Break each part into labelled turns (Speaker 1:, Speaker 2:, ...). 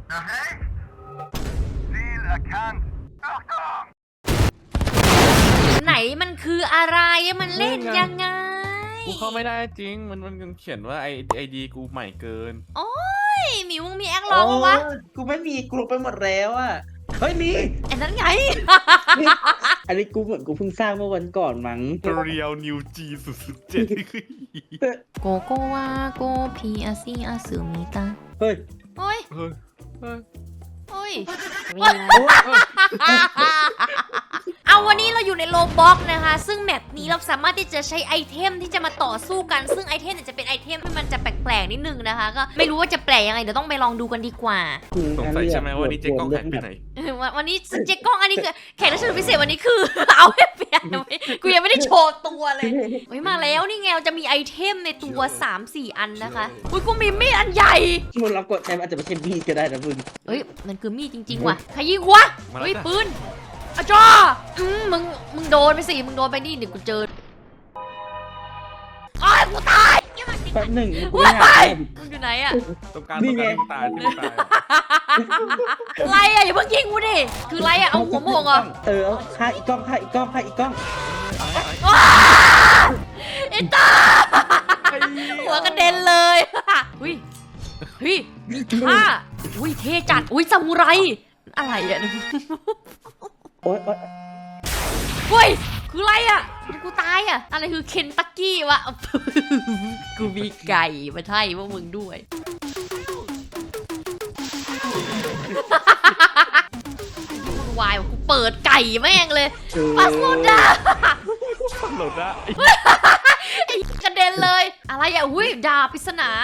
Speaker 1: ไหนมันคืออะไรมันเล่นยังไง
Speaker 2: กูเข้าไม่ได้จริงมันเขียนว่าไอดีกูใหม่เกิน
Speaker 1: โอ้ยหมิวมึงมีแอคลองวะ
Speaker 3: กูไม่มีกลัวไปหมดแล้วอ่ะเฮ้ยมี
Speaker 1: ไอ้นั้นไง
Speaker 3: อันนี้กูเหมือนกูเพิ่งสร้างเมื่อวันก่อนมั้ง
Speaker 2: เรียวนิวจี007
Speaker 1: โกโกวาโกพีอาซีอาซึมิตา
Speaker 3: เฮ้ย
Speaker 1: โอ้ย
Speaker 2: เฮ้ย
Speaker 1: โอ้ยเอาวันนี้เราอยู่ในโลบ็อกนะคะซึ่งแมปนี้เราสามารถที่จะใช้ไอเทมที่จะมาต่อสู้กันซึ่งไอเทมเนี่ยจะเป็นไอเทมที่มันจะแปลกๆนิดนึงนะคะก็ไม่รู้ว่าจะแปลกยังไงเดี๋ยวต้องไปลองดูกันดีกว่า
Speaker 2: สงสัยใช่ไหมว่านี่เจ๊กล้องหายไปไหน
Speaker 1: วันนี้เจ๊กล้องอันนี้คือแขกรับเชิญพิเศษวันนี้คือ เอาให้เปลี่ยนกูยังไม่ได้โชว์ตัวเลยเฮ้ยมาแล้วนี่ไงเราจะมีไอเทมในตัว 3-4 อันนะคะอุ้ยกูมีมีดอันใหญ่
Speaker 3: มึงเรากดใช้มันอาจจะไม่ใช่มีดก็ได้นะมึง
Speaker 1: เฮ้ยมันคือมีดจริงๆว่ะใครยิงวะเฮ้ยปืนอาจ้ามึงโดนไปสิมึงโดนไปนี่เดี๋ยวกูเจออ้ายกูตาย
Speaker 3: แป๊บหนึ่งกูไม่หา
Speaker 1: มึงอยู่ไหนอะ
Speaker 2: ต้องการที่ตายที่ตาย
Speaker 1: อะไรอะอย่าเพิ่งยิงกูดิคืออะไรอะเอาหัวโมงเหรอ
Speaker 3: เอาฆ่าอีกกล้องฆ่าอีกกล้องฆ่าอีกกล้อง
Speaker 1: ไอ้ตาหัวกระเด็นเลยอุ้ยเฮ้ยมีท่าอุ้ยเท่จัดอุ้ยซามูไรอะไรอะ
Speaker 3: โอ๊ย
Speaker 1: เฮ้ยคืออะไรอะกูตายอะอะไรคือเคนตักกี้วะ กูมีไก่มาให้พวกมึงด้วยวายกูเปิดไก่แม่งเลยปาสุดา
Speaker 2: หลุดละ
Speaker 1: ไอ้กระเด็นเลยอะไรอะหุ้ยดาบปริศนา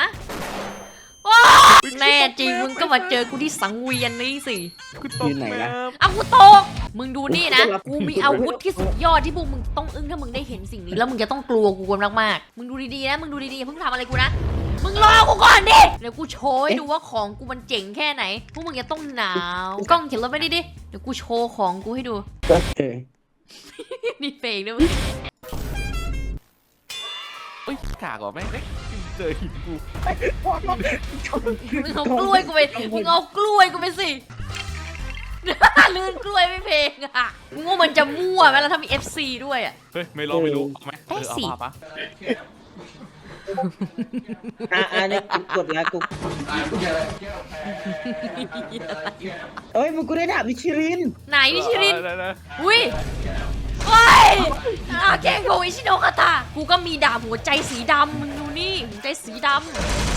Speaker 1: แน่จริงมึงก็มาเจอกูที่สังเวียนนี่สิ
Speaker 2: กูตกน้ำ
Speaker 1: เอากูตกมึงดูนี่นะกูมีอาวุธที่สุดยอดที่พวกมึงต้องอึ้งถ้ามึงได้เห็นสิ่งนี้แล้วมึงจะต้องกลัวกูกันมากๆมึงดูดีๆนะมึงดูดีๆอย่าเพิ่งทำอะไรกูนะมึงรอกูก่อนดิเดี๋ยวกูโชว์ให้ดูว่าของกูมันเจ๋งแค่ไหนพวกมึงจะต้องหนาวกล้องเข็นรถไปดิเดี๋ยวกูโชว์ของกูให้ดูนี่เฟกด้วยมึง
Speaker 2: เอ้ยกากว่ะแม่งเจอหินกู
Speaker 1: มึงเอากล้วยกูไปมึงเอากล้วยกูไปสิ ลื่นกล้วยไม่เพลงอ่ะมึงว่ามันจะมั่วไหมแล้วถ้ามี FC ด้วยอ่ะ
Speaker 2: เฮ้ยไม่รู้เอาไหมเอาปะ
Speaker 3: นี่กดแล้วกูเอ้ยมึงกูได้ดาบมิชลิน
Speaker 1: ไหนนิชิรินอุ้ยโอ้ยแกงโกอิชิโนะคาตากูก็มีดาบหัวใจสีดำมึงดูนี่หัวใจสีดำ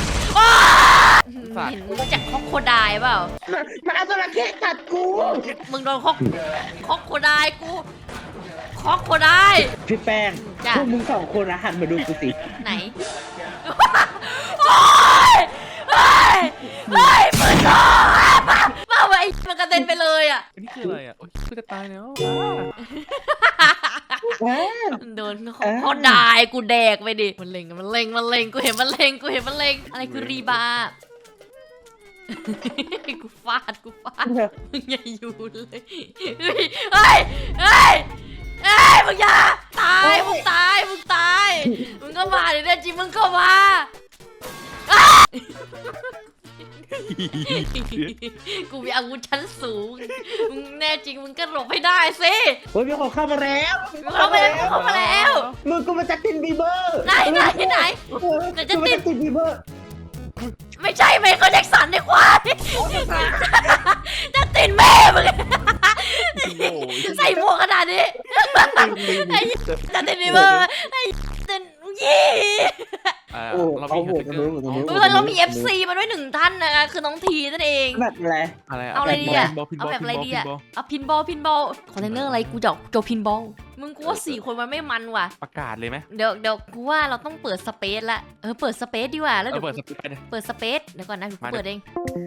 Speaker 1: เห็นมึงจากคอกโคไดเปล่า
Speaker 3: มันเอาจระเข้กัดกู
Speaker 1: มึงโดนคอกโคไดกูคอกโคได
Speaker 3: พี่แป้งพวกมึงสองคนหันมาดูกูสิ
Speaker 1: ไหนโอ้ยเฮ้ยปืนมาไอ้มันกระเด็นไปเลยอ่ะ
Speaker 2: อันนี้คืออะไรอ่ะโอ้ยกูจะตายแล้ว
Speaker 1: โดนเขาด่ากูแดกไปดิมันเล็งกูเห็นมันเล็งอะไรคือรีบากูฟาดมึงอย่าอยู่เลยเฮ้ยมึงอย่าตายมึงตายมึงก็มาดิเนี่ยจิมึงก็มากูมีอาวุธชั้นสูงมึงแน่จริงมึงก็หลบให้ได้สิ
Speaker 3: เฮ้ยมีคนเข้ามาแล้ว
Speaker 1: เข้ามาแล้ว
Speaker 3: มึงกูมาจากตินบีเบอร์
Speaker 1: ไหนจะติด
Speaker 3: บีเบอร์
Speaker 1: ไม่ใช่ไมเคิลแจ็คสันดีกว่าจะติดแม่มึงใส่หมวกขนาดนี้จะติดบีเบอร์ไอ้ติดยี่เรามี FC มาด้วย1 ท่านนะคะคือน้องทีนั่นเอง
Speaker 3: แบบอะไร
Speaker 1: เอาอะไรดีอะเอาแบบอะไรดีอะเอาพินบอลคอนเทนเนอร์อะไรกูจะโจพินบอลมึงกูว่า4 คนมันไม่มันว่ะ
Speaker 2: ประกาศเลยไหม
Speaker 1: เดี๋ยวกูว่าเราต้องเปิดสเปซละเปิดสเปซดีกว่าแล้วเดี๋ยว
Speaker 2: เปิดสปีดไปเลย
Speaker 1: เปิดสเปซเดี๋ยวก่อนนะกูเปิดเอง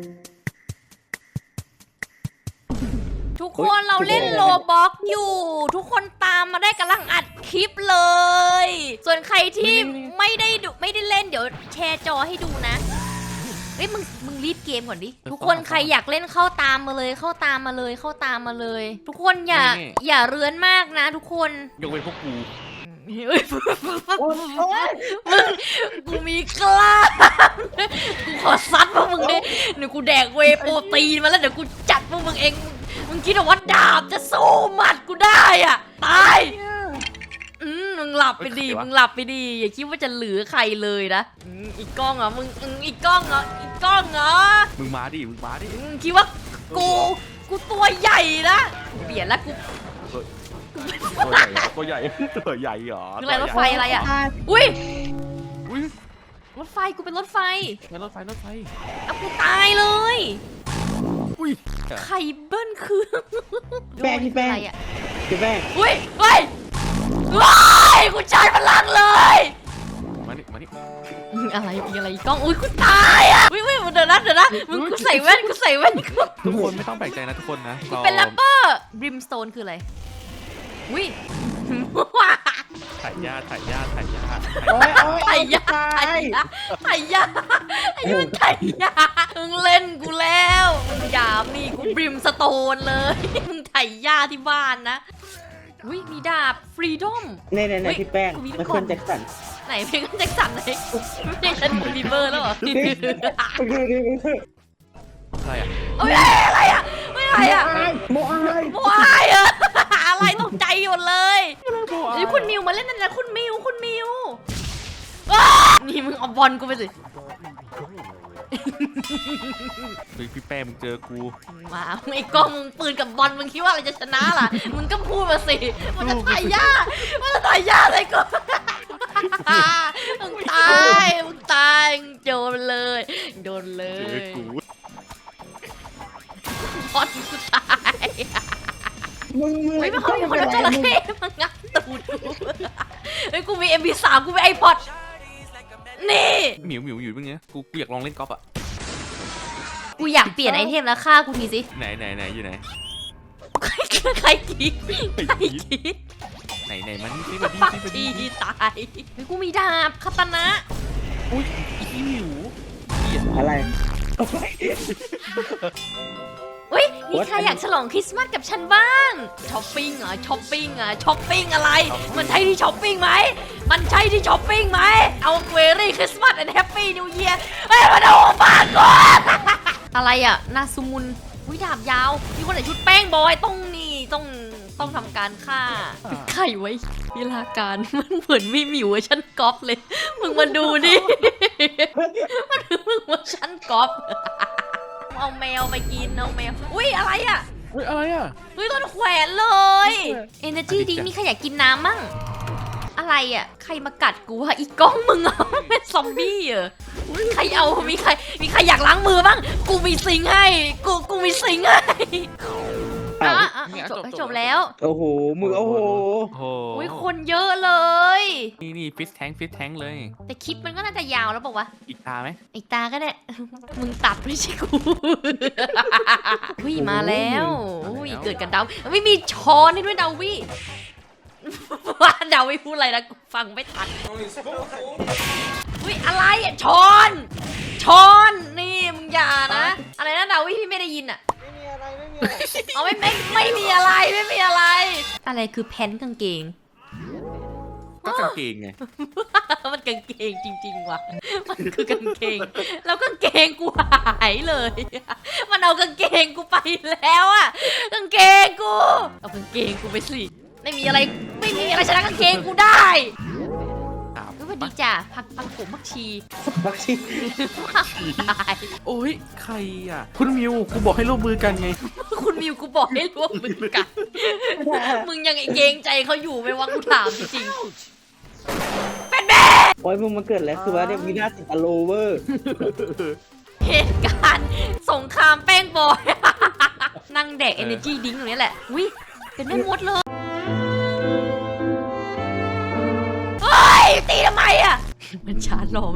Speaker 1: ทุกคนเราเล่นโลบ็อกอยู่ทุกคนตามมาได้กำลังอัดคลิปเลยส่วนใครที่ไม่ได้เล่นเดี๋ยวแชร์จอให้ดูนะเฮ้ยมึงรีบเกมก่อนดิทุกคนใครอยากเล่นเข้าตามมาเลยทุกคนอย่าเรื้อนมากนะทุกคน
Speaker 2: ยกเว้นพวกกู
Speaker 1: เฮ้ย
Speaker 3: โอ๊ย
Speaker 1: มึงกูมีกล้ามกูขอซัดพวกมึงดิเดี๋ยวกูแดกเวย์โปรตีนมาแล้วเดี๋ยวกูจัดพวกมึงเองมึงคิดว่าดาบจะสู้หมัดกูได้อ่ะตายมึงหลับไปดิมึงหลับไปดิอย่าคิดว่าจะเหลือใครเลยนะอีกกล้องเหรอมึงอีกกล้องเหรออีกกล้องเหรอ
Speaker 2: มึงมาดิ
Speaker 1: คิดว่ากูตัวใหญ่นะกูเปลี่ยนแล้วกู
Speaker 2: ตัวใหญ่เหรอ
Speaker 1: คืออะไรรถไฟอะไรอ่ะอุ้ย
Speaker 2: อุ้ย
Speaker 1: รถไฟกูเป็นรถไฟ
Speaker 2: รถไฟ
Speaker 1: เอากูตายเลย
Speaker 2: อุ้ย
Speaker 1: ไข่เบิ้ลคือ
Speaker 3: แป้งพี่แป้ง
Speaker 1: อะไรอ่ะ
Speaker 3: พี่แป้ง
Speaker 1: อุ้ยเฮ้ยว้ายกูใช้พลังเลย
Speaker 2: มานี่
Speaker 1: อะไรมีอะไรอีกกล้องอุ้ยกูตายอ่ะอุ้ยเดี๋ยวนะมึงกูใส่แว่น
Speaker 2: ทุกคนไม่ต้องแปลกใจนะทุกคนนะ
Speaker 1: เป็นแรปเปอร์บริมสโตนคืออะไรอุ้ย
Speaker 2: ถ่ายยา
Speaker 3: โอ๊ยโอ๊ย
Speaker 1: ไถ่ยา
Speaker 3: ตาย
Speaker 1: ไถ่ยาไอ้มึงไถ่ยามึงเล่นกูแล้วมึงหยามนี่กูบริมสโตนเลยมึงไถ่ยาที่บ้านนะอุ้ยมีดาบฟรีดอม
Speaker 3: เนี่ยพี่แป้ง
Speaker 1: กูมี
Speaker 3: มัน
Speaker 1: กล่
Speaker 3: ค
Speaker 1: อง
Speaker 3: นแจ็คสัน
Speaker 1: ไหนเพลงแจ็คสันไหนไม่ใช่ฉันบีเบอร์แล้วเหรอ
Speaker 3: ดูดิ
Speaker 2: อะไรอ่ะ
Speaker 1: เอ้ยอะไรอ่ะไม่อะไรอ่ะ
Speaker 3: โมอาย
Speaker 1: โมอายอะอะไรตกใจหมดเลยนี่คุณมิวมาเล่นนั่นนะคุณมิวอ้านี่มึงเอาบอลกูไปสิ
Speaker 2: เฮ้ยพี่แป้มึงเจอกู
Speaker 1: มาไอ้กล้องมึงปืนกับบอลมึงคิดว่าอะไรจะชนะล่ะมึงก็พูดมาสิมันจะถ่ายยากอะไรกูมึงตายมึงโดนเลย
Speaker 2: เจอกู
Speaker 1: บอลกูตาย
Speaker 3: มึง
Speaker 1: เฮ้ยมันเขามีคนเอาจระเข้มางับตูดกูเฮ้ยกูมี MP3 กูมี iPod นี่
Speaker 2: หมิวอยู่มึงเนี้ยกูอยากลองเล่นกอล์ฟอ่ะ
Speaker 1: กูอยากเปลี่ยนไอเทมแล้วฆ่ากูทีสิ
Speaker 2: ไหนอยู่ไหน
Speaker 1: ใครกรีด
Speaker 2: ไหนมันนี่
Speaker 1: ปักทีตายเฮ้ยกูมีดาบคาตานะ
Speaker 2: อุ้ยอีหมิว
Speaker 3: อะไร
Speaker 1: เฮ้ยมีใครอยากฉลองคริสต์มาสกับฉันบ้างช้อปปิ้งเหรอช้อปปิ้งอะไรมันใช่ที่ช้อปปิ้งไหมเอาเวรี่คริสต์มาสแอนด์แฮปปี้นิวเยียร์เฮ้ยมาดูบ้านก่อนอะไรอ่ะนาซูมุนวิดาบยาวมีคนไหนชุดแป้งบอยต้องทำการฆ่าไข่ไว้เวลาการมันเหมือนมีหมิวฉันก๊อปเลยมึงมาดูดิมึงว่าฉันก๊อปเอาแมวไปกินเอาแมวอุ้ยอะไรอ่ะ
Speaker 2: เฮ้ยอะไรอ่ะ
Speaker 1: เฮ้ยต้นแขวนเลย Energy ดิมีใครอยากกินน้ำมั่งอะไรอ่ะใครมากัดกูอะอีกกล้องมึงอ่ะเป็นซอมบี้เหรอใครเอามีใครอยากล้างมือบ้างกูมีซิงค์ให้กูมีซิงค์ให้จบแล้ว
Speaker 3: โอ้โหมึงโอ้โห
Speaker 1: อุ้ยคนเยอะเลย
Speaker 2: นี่ฟิสแทงเลย
Speaker 1: แต่คลิปมันก็น่าจะยาวแล้วบอกว่าวะ
Speaker 2: อีกตาไหม
Speaker 1: อีกตาก็ได้ มึงตัดไม่ใช่กูอุ้ยมาแล้วอุ้ยเกิดกันดาวไม่มีช้อนให้ด้วยดาวิว่าดาวิพูดอะไรนะกูฟังไม่ทันอุ้ยอะไรอ่ะช้อนนี่มึงอย่านะอะไรนะดาวิพี่ไม่ได้ยินอ่ะเอาไม่มีอะไรอะไรคือแพนกางเกง
Speaker 2: ก็กางเกงไง
Speaker 1: มันกางเกงจริงๆว่ะมันคือกางเกงแล้วกางเกงกูหายเลยมันเอากางเกงกูไปแล้วอะกางเกงกูเอากางเกงกูไปสิไม่มีอะไรชนะกางเกงกูได้สวัสดีจ้ะผักผมผักชี
Speaker 3: บักชี
Speaker 1: ตาย
Speaker 2: โอ้ยใครอ่ะคุณมิวกูบอกให้ร่วมมือกันไง
Speaker 1: คุณมิวกูบอกให้ร่วมมือกันมึงยังเกรงใจเขาอยู่ไหมวะกูถามจริงๆเป็นแม่
Speaker 3: โอ้ยมึงมาเกิดแล้วคือว่าเนี่ยวินาศอโลเวอร์
Speaker 1: เหตุการณ์สงครามแป้งบอยนั่งแดก energy ดิ้งตรงนี้แหละวิเป็นแม่มดเลยเฮ้ยตีทำไมอ่ะมันชาร์จรอ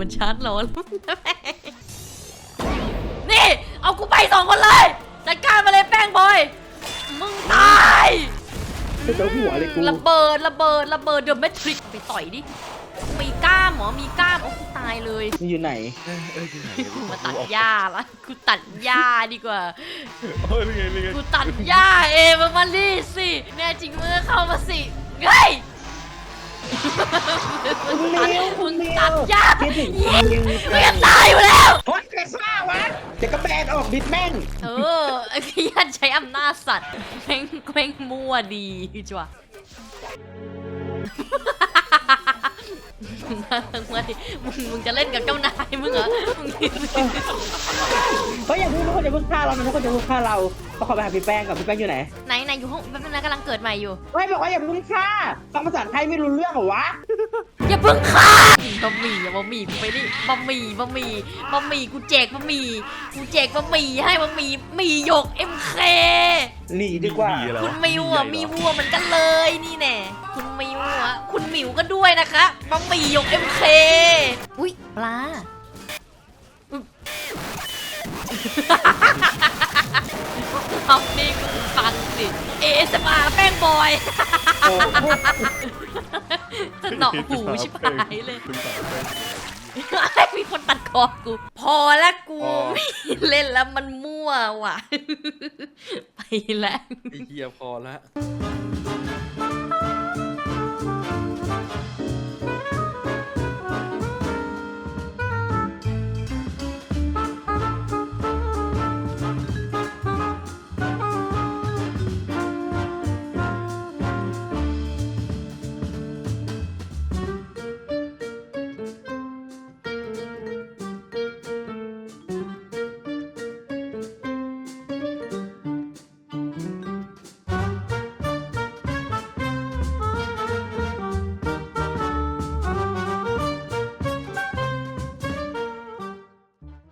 Speaker 1: นี่เอากูไป2 คนเลยจัดการมาเลยแป้งบอยมึงตาย
Speaker 3: เป็นตัวหัวเลยกู
Speaker 1: ระเบิดเดอะแมทริกไปต่อยดิมีกล้ามเหรอมีกล้ามโอ้กูตายเลย
Speaker 3: มึงอยู่ไหน
Speaker 1: กูมาตัดหญ้าละกูตัดหญ้าดีกว่า
Speaker 2: เฮ้ยไง
Speaker 1: กูตัดหญ้าเองมาดิสิแน่จริงมึงก็เข้ามาสิเฮ้ยมึงตัดยาก
Speaker 3: คิดถึง
Speaker 1: ยิง
Speaker 3: มึง
Speaker 1: มึงจะตายอยู่แล้ว
Speaker 3: โอ๊ยใครฆ่าวะเดี๋ยวก็แบนออกบิดแม่ง
Speaker 1: ไอ้พี่ยันใช้อำนาจสัตว์แม่งมั่วดีจ้ะมึงจะเล่นกับเจ้านายมึงเหรอ
Speaker 3: เฮ้ยอย่าเพิ่งทุกคนอย่าเพิ่งฆ่าเรานะทุกคนอย่าเพิ่งฆ่าเราเขาขอไปหาพี่แป้งก่อนพี่แป้งอยู่ไหน
Speaker 1: ไหนอยู่ห้องแป๊บนึงนะกำลังเกิดใหม่อยู่
Speaker 3: เฮ้ยบอกว่าอย่าเพิ่งฆ่าฟังภาษาไทยไม่รู้เรื่องเหรอวะ
Speaker 1: อย่าเพิ่งฆ่าบะหมี่บะหมี่กูไปดิบะหมี่กูแจกบะหมี่ให้บะหมี่หยก MK
Speaker 3: หนีดีกว่า
Speaker 1: คุณมิวมีวัวเหมือนกันเลยนี่แน่คุณมิวคุณหมิวก็ด้วยนะคะบะหมี่หยก MK อุ้ยปลาเอานี่กูฟังสิASMR แป้งบอยจะหนอกหูชิบหายเลยมีคนตัดคอกู พอแล้วกูไม่เล่นแล้วมันมั่วว่ะ ไปแล้ว
Speaker 2: ไอ้เหี้ยพอละ
Speaker 1: ไ